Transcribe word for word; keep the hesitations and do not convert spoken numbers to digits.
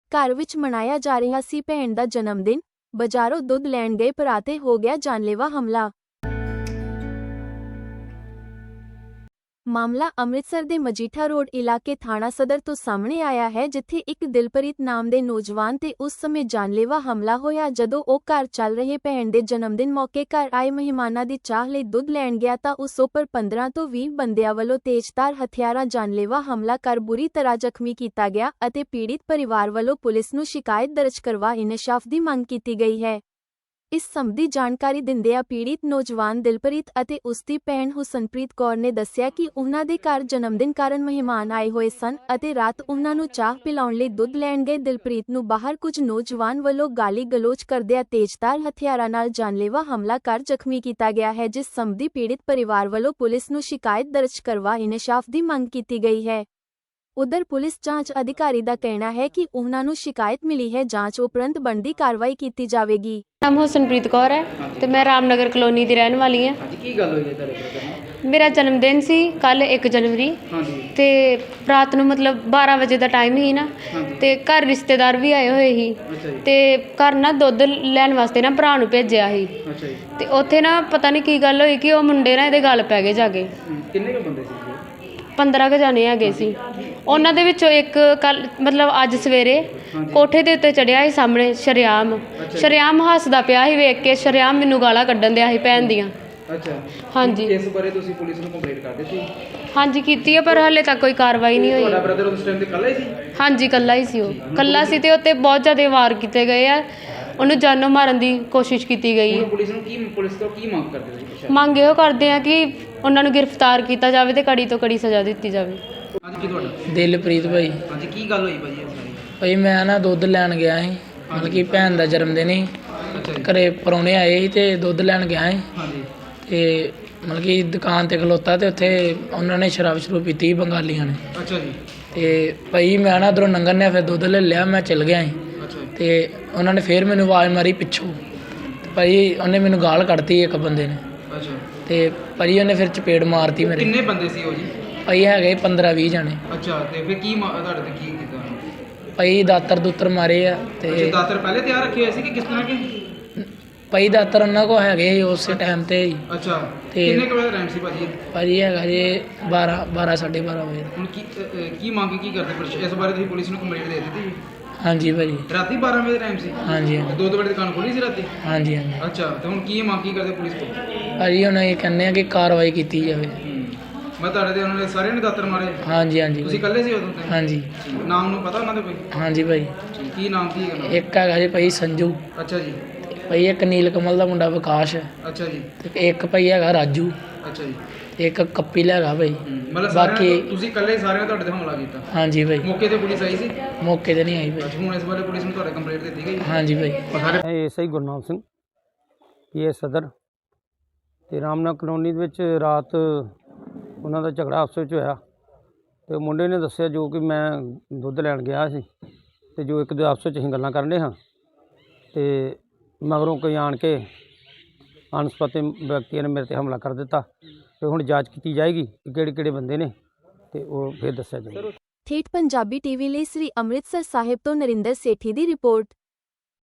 घर विच मनाया जा रहा सी भैन दा जन्मदिन। बाजारों दुध लैण गए भरा ते हो गया जानलेवा हमला। मामला अमृतसर दे मजीठा रोड इलाके थाना सदर तो सामने आया है, जिथे एक दिलप्रीत नाम दे नौजवान ते उस समय जानलेवा हमला होया जदों ओ घर चल रहे भैन दे जन्मदिन मौके घर आए मेहमानां दी चाह लई दुध लैण गया तां उस उपर पंद्रह तो बीस बंदियां वल्लों तेजधार हथियारां जानलेवा हमला कर बुरी तरह जख्मी कीता गया अते पीड़ित परिवार वल्लों पुलिस नूं शिकायत दर्ज करवा इंसाफ दी मंग कीती गई है। इस संबंधी जानकारी दिंदिआं पीड़ित नौजवान दिलप्रीत अते उसदी भैन हुसनप्रीत कौर ने दस्सिया कि उन्हां दे घर जन्मदिन कारण मेहमान आए होए सन अते रात उन्हां नूं चाह पिलाउण लई दुध लैण गए दिलप्रीत नूं बाहर कुछ नौजवान वल्लों गाली गलोच करदिआं तेजधार हथियारां नाल जानलेवा हमला कर जख्मी कीता गया है, जिस संबंधी पीड़ित परिवार वल्लों पुलिस नूं शिकायत दर्ज करवा इंसाफ दी मंग कीती गई है। उधर पुलिस जांच अधिकारी का कहना है कि उन्हां नूं शिकायत मिली है, जांच उपरंत बनदी कार्रवाई की जाएगी। नाम हुसनप्रीत कौर है तो मैं रामनगर कलोनी की रहने वाली हाँ। मेरा जन्मदिन सी कल एक जनवरी ते रात नूं मतलब बारह बजे का टाइम ही ना ते घर रिश्तेदार भी आए हुए ही ते घर ना दुध लैण वास्ते ना भरा नूं भेजिया ही ते उत्थे ना पता नहीं की गल होई कि वो मुंडे ना इहदे गल पै गए जाके। पंद्रह के जाने है सी। उन्हां दे विचों एक कल मतलब अज सवेरे कोठे दे उत्ते चढ़िया ही सामने शरेआम शरेआम हसदा पिया ही वेख के शरेआम मैनूं गालां कड्ढन दिया ही भैन दियां। अच्छा हाँ जी इस बारे तुसीं पुलिस नूं कंप्लेंट कर दित्ती? हाँ जी कीती है पर हाले तक कोई कार्रवाई नहीं हुई। तुहाडा ब्रदर उस टाइम ते कल्ला ही सी? हाँ जी कल्ला ही सी, वो कल्ला सी ते उत्ते बहुत ज़्यादा वार कीते गए आ, उन्हें जानों मारन की कोशिश की गई है। पुलिस नूं की पुलिस तो की मंग करदे तुसीं? मंग इहो करदे आ कि उन्होंने गिरफ्तार किया जाए तो कड़ी तो कड़ी सज़ा दी जाए। आज की तुहाडा? दिलप्रीत भाई। आज की गल होई भाई इस सारी? भाई मैं ना दुध लैन गया ही, मतलब कि भैन का जन्मदिन ही, घरे परौने आए ही ते दुध लैन गया ही ते मतलब कि दुकान ते खलोता ते उत्थे उन्होंने शराब शरूब पीती ही बंगालियां ने। अच्छा जी। ते भाई मैं ना उधरों लंघन फिर दुध ले लिया, मैं चल गया ही ते उन्होंने फिर मैनू आवाज़ मारी पिछों ते भाई उन्हें मैनू गाल कढ़ती एक बंदे ने। अच्छा ते भाई उन्हें फिर चपेड़ मारती मेरे। किन्ने बंदे सी ओ जी? भाई है पंद्रह बीस जने। अच्छा ते फिर की तुहाडे ते की कीता? भाई दातर दुतर मारे आ ते दातर पहले तैयार रखे हुए सी कि किस तरह के? भाई दातर उन्होंने को है उस टाइम ते ही। अच्छा ते किन्ने के बजे टाइम सी भाजी? भाजी है जी बारह बारह साढ़े बारह बजे। हुण की की मंग की करदे पुलिस इस बारे तुसीं पुलिस नूं कंप्लेंट दे दित्ती? हाँ जी भाजी। राती बारह बजे टाइम सी? हाँ जी हाँ दो दो बजे दुकान खोली सी राती? हाँ जी हाँ जी। अच्छा तो हुण की मंग की करदे पुलिस को? भाजी हुण ये कहने कि कार्रवाई की जाए। मैं तुहाडे ते उन्होंने सारे ने दातर मारे? हाँ जी हाँ जी। तुसीं कल्ले सी उदों ते? हाँ जी। नाम नूं पता उन्हां दे कोई? हाँ जी भाई। की नाम की है? एक है जी भाई संजू। अच्छा जी। भाई एक नील कमल का मुंडा विकास है। अच्छा जी। ते एक भाई है राजू। अच्छा जी। एक कपिल है भाई। मतलब बाकी तुसीं कल्ले सारे ने तुहाडे ते हमला कीता? हाँ जी भाई। मौके ते पुलिस आई सी? मौके ते नहीं आई भाई। अच्छा हुण इस बारे पुलिस नूं तुहाडे कंप्लेंट दित्ती गई? हाँ जी भाई। ਇਹ ਸਹੀ ਗੁਰਨਾਮ ਸਿੰਘ ਪੀਏ ਸਦਰ ਤੇ ਰਾਮਨਗਰ ਕਲੋਨੀ ਦੇ ਵਿੱਚ ਰਾਤ ਉਹਨਾਂ ਦਾ ਝਗੜਾ ਆਪਸ ਵਿੱਚ ਹੋਇਆ ਤੇ ਮੁੰਡੇ ਨੇ ਦੱਸਿਆ ਜੋ ਕਿ ਮੈਂ ਦੁੱਧ ਲੈਣ ਗਿਆ ਸੀ ਤੇ ਜੋ ਇੱਕ ਦੇ ਆਪਸ ਵਿੱਚ ਅਸੀਂ ਗੱਲਾਂ ਕਰਨ ਰਹੇ ਹਾਂ ਤੇ ਮਗਰੋਂ ਕੋਈ ਆਣ ਕੇ ਅਣਸੁਖਾਵੇ ਵਿਅਕਤੀਆਂ ਨੇ ਮੇਰੇ ਤੇ ਹਮਲਾ ਕਰ ਦਿੱਤਾ ਤੇ ਹੁਣ ਜਾਂਚ ਕੀਤੀ ਜਾਏਗੀ ਕਿ ਕਿਹੜੇ ਕਿਹੜੇ ਬੰਦੇ ਨੇ ਤੇ ਉਹ ਫਿਰ ਦੱਸਿਆ ਜਾਏਗਾ। ਠੇਠ ਪੰਜਾਬੀ ਟੀਵੀ ਲਈ ਸ੍ਰੀ ਅੰਮ੍ਰਿਤਸਰ ਸਾਹਿਬ ਤੋਂ ਨਰਿੰਦਰ ਸੇਠੀ ਦੀ ਰਿਪੋਰਟ।